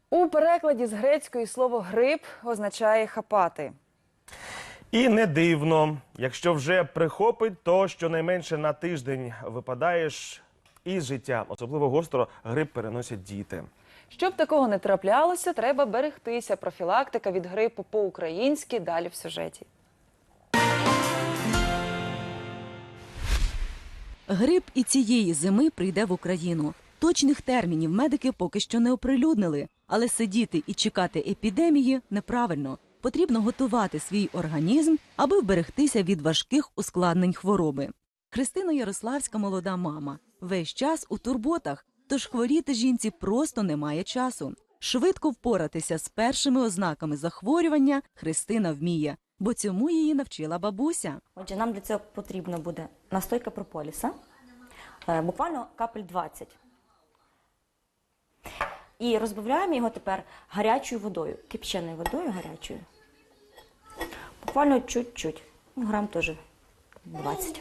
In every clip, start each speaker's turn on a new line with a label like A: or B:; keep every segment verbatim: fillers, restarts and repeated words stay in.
A: У перекладі з грецької слово «грип» означає «хапати».
B: І не дивно. Якщо вже прихопить, то щонайменше на тиждень випадаєш із життя. Особливо гостро грип переносять діти.
A: Щоб такого не траплялося, треба берегтися. Профілактика від грипу по-українськи далі в сюжеті.
C: Грип і цієї зими прийде в Україну. Точних термінів медики поки що не оприлюднили. Але сидіти і чекати епідемії неправильно. Потрібно готувати свій організм, аби вберегтися від важких ускладнень хвороби. Христина Ярославська – молода мама. Весь час у турботах, тож хворіти жінці просто немає часу. Швидко впоратися з першими ознаками захворювання Христина вміє, бо цьому її навчила бабуся.
D: Отже, нам для цього потрібно буде настойка прополіса, буквально капель двадцять. І розбавляємо його тепер гарячою водою, кип'яною водою гарячою. Буквально чуть-чуть, грам теж двадцять.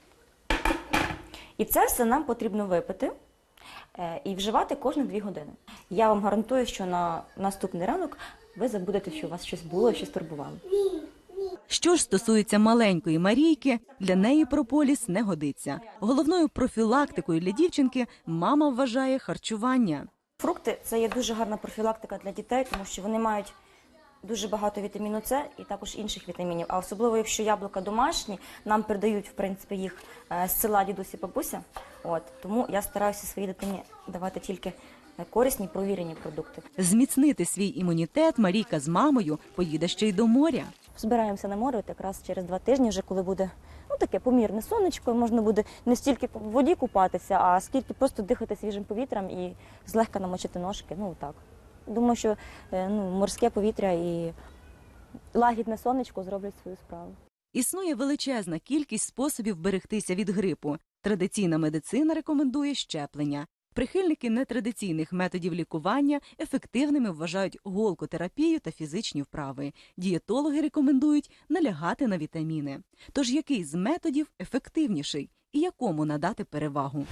D: І це все нам потрібно випити і вживати кожні дві години. Я вам гарантую, що на наступний ранок ви забудете, що у вас щось було, щось турбувало.
C: Що ж стосується маленької Марійки, для неї прополіс не годиться. Головною профілактикою для дівчинки мама вважає харчування.
D: Фрукти – це є дуже гарна профілактика для дітей, тому що вони мають дуже багато вітаміну С і також інших вітамінів. А особливо, якщо яблука домашні, нам передають, в принципі, їх з села дідусь і бабуся. От, тому я стараюся своїй дитині давати тільки корисні, провірені продукти.
C: Зміцнити свій імунітет Марійка з мамою поїде ще й до моря.
D: Збираємося на море от якраз через два тижні, вже коли буде ну, таке помірне сонечко, можна буде не стільки в воді купатися, а скільки просто дихати свіжим повітрям і злегка намочити ножки. Ну так. Думаю, що ну, морське повітря і лагідне сонечко зроблять свою справу.
C: Існує величезна кількість способів берегтися від грипу. Традиційна медицина рекомендує щеплення. Прихильники нетрадиційних методів лікування ефективними вважають голкотерапію та фізичні вправи. Дієтологи рекомендують налягати на вітаміни. Тож який з методів ефективніший і якому надати перевагу?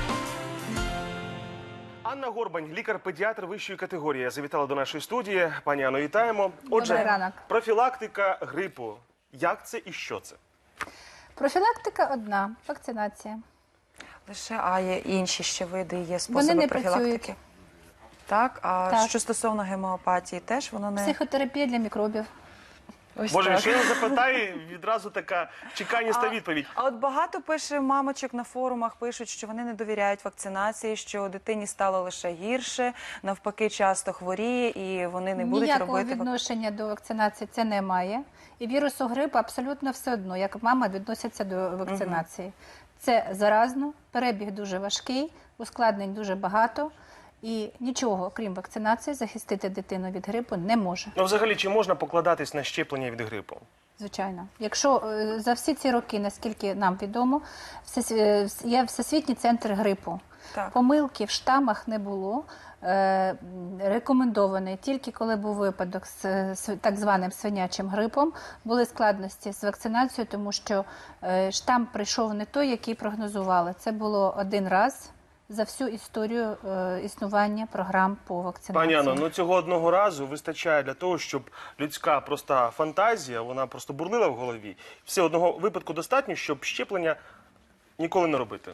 B: Анна Горбань, лікар-педіатр вищої категорії, завітала до нашої студії. Пані Анно, вітаємо. Отже,
E: Добрий ранок.
B: профілактика грипу. Як це і що це?
E: Профілактика одна – вакцинація.
F: Лише, а є інші ще види, є
E: Вони
F: способи
E: не
F: профілактики?
E: працюють.
F: Так, а
E: Так.
F: що стосовно гемеопатії, теж воно не...
E: Психотерапія для мікробів.
F: Ось
B: Боже,
F: так.
B: ще я запитаю, відразу така чеканіста відповідь.
F: А от багато пише мамочок на форумах, пишуть, що вони не довіряють вакцинації, що дитині стало лише гірше, навпаки часто хворіє і вони не будуть
E: Ніякого
F: робити... вак-
E: відношення до вакцинації це не має. І вірусу грипу абсолютно все одно, як мама відноситься до вакцинації. Це заразно, перебіг дуже важкий, ускладнень дуже багато. І нічого, крім вакцинації, захистити дитину від грипу не може.
B: Ну, взагалі, чи можна покладатись на щеплення від грипу?
E: Звичайно. Якщо е, за всі ці роки, наскільки нам відомо, всесві- е, є Всесвітній центр грипу.
F: Так.
E: Помилки в штамах не було. Е, рекомендований тільки коли був випадок з, з так званим свинячим грипом, були складності з вакцинацією, тому що е, штам прийшов не той, який прогнозували. Це було один раз за всю історію е, існування програм по вакцинації.
B: Пані Анно, ну цього одного разу вистачає для того, щоб людська проста фантазія, вона просто бурлила в голові. Все одного випадку достатньо, щоб щеплення ніколи не робити.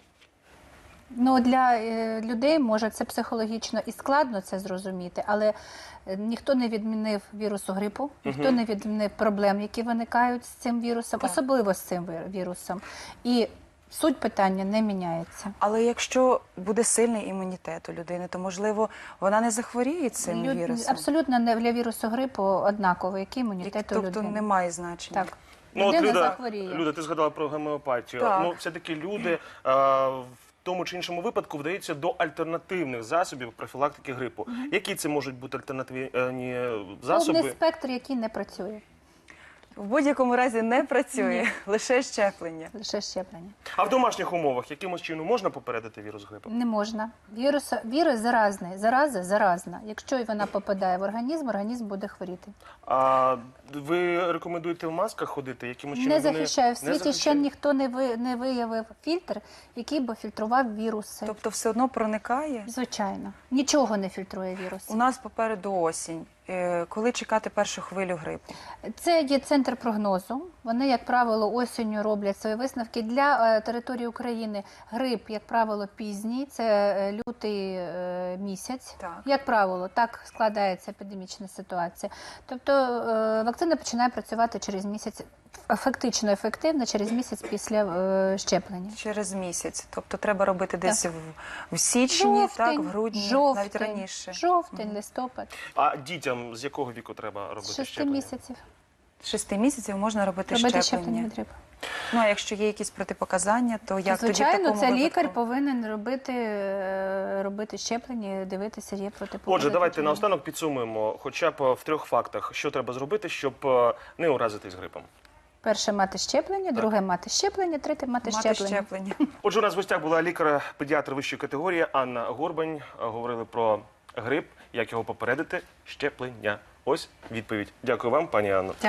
E: Ну, для е, людей, може, це психологічно і складно це зрозуміти, але е, ніхто не відмінив вірусу грипу, ніхто не відмінив проблем, які виникають з цим вірусом, особливо з цим вір- вірусом. І суть питання не міняється.
F: Але якщо буде сильний імунітет у людини, то, можливо, вона не захворіє цим
E: Люд-
F: вірусом?
E: Абсолютно не для вірусу грипу однаково, який
F: І,
E: імунітет у
F: тобто
E: людини.
F: немає значення?
E: Так.
B: Ну, от
E: Людина
B: Люда,
E: захворіє.
B: Люда, ти згадала про гемеопатію.
F: Так.
B: Ну, все-таки люди а, в тому чи іншому випадку вдаються до альтернативних засобів профілактики грипу. Які це можуть бути альтернативні засоби?
E: Повний спектр, який не працює.
F: В будь-якому разі не працює,
E: Ні.
F: лише щеплення.
E: Лише щеплення.
B: А в домашніх умовах якимось чином можна попередити вірус грипу?
E: Не можна. Вірус, вірус заразний. Зараза заразна. Якщо вона попадає в організм, організм буде хворіти.
B: А ви рекомендуєте в масках ходити? Якимось чином
E: Не
B: вони
E: захищає. В
B: не
E: світі ще
B: захищають?
E: ніхто не, ви, не виявив фільтр, який би фільтрував віруси.
F: Тобто все одно проникає?
E: Звичайно. Нічого не фільтрує вірус.
F: У нас попереду осінь. Е, Коли чекати першу хвилю грипу?
E: Це є центр прогнозу. Вони, як правило, осінню роблять свої висновки. Для е, території України грип, як правило, пізній. Це е, лютий е, місяць.
F: Так.
E: Як правило, так складається епідемічна ситуація. Тобто е, вакцина починає працювати через місяць, фактично ефективно через місяць після е, щеплення.
F: Через місяць. Тобто треба робити десь в, в січні, так, в грудні,
E: жовтень,
F: навіть раніше.
E: Жовтень, листопад.
B: А дітям з якого віку треба робити
E: З шести
B: щеплення?
E: місяців.
F: З шести місяців можна робити,
E: Робити
F: щеплення.
E: щеплення від грипу.
F: Ну, а якщо є якісь протипоказання, то як тоді в
E: Звичайно,
F: такому
E: це лікар
F: випадку?
E: повинен робити, е, робити щеплення, дивитися, є протипокази.
B: Отже, давайте
E: чи ні.
B: наостанок підсумуємо хоча б в трьох фактах, що треба зробити, щоб е, не уразитись грипом.
E: Перше мати щеплення, друге мати щеплення, третє мати,
F: Мати
E: щеплення.
F: щеплення.
B: Отже, у нас в гостях була лікар-педіатр вищої категорії Анна Горбань. Говорили про грип, як його попередити, щеплення. Ось відповідь. Дякую вам, пані Анно.